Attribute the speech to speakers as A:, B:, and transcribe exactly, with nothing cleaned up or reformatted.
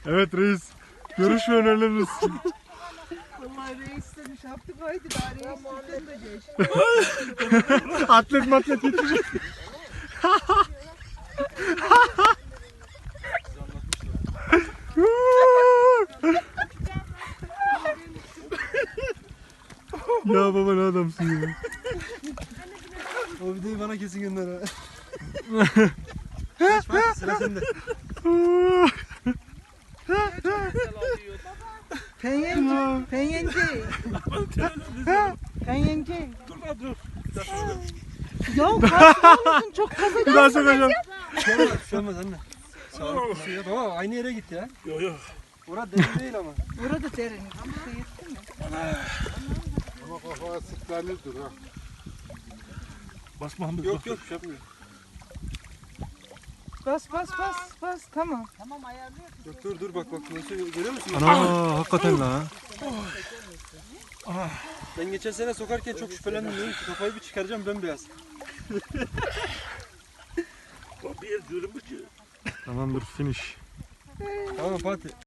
A: Evet reis. Görüş ve önerileriniz.
B: Vallahi reis demiş yaptık haydi daha reis de geç.
A: Atlet matlet yetişecek. Ya baba ne adamsın ya.
C: O videoyu bana kesin gönder ha. Geç bak sıra sende.
B: Penyenci, penyenci. Penyenci.
D: Dur lan dur. Bir dakika.
B: Ya kaçma mısın çok kazacaksın.
A: Bir daha sokacağım.
C: Bir şey olmaz, bir şey olmaz anne. Sağlıklı su ya. Baba aynı yere gitti ya.
D: Yok yok.
C: Orada derin değil ama.
B: Burada derin. Burada yetti mi?
E: Ama kafaya sıklanırdır ha.
D: Basma Hamdi.
C: Yok yok bir şey yapmıyor.
B: Bas bas bas bas tamam.
C: Yok dur dur bak bak nasıl görüyor musun?
A: Ana hakikaten la.
C: Ben geçen sene sokarken çok şüphelendim dedim ki kafayı bir çıkaracağım bembeyaz.
D: Bir yer diyorum ki.
A: Tamamdır finish.
C: Tamam Fatih.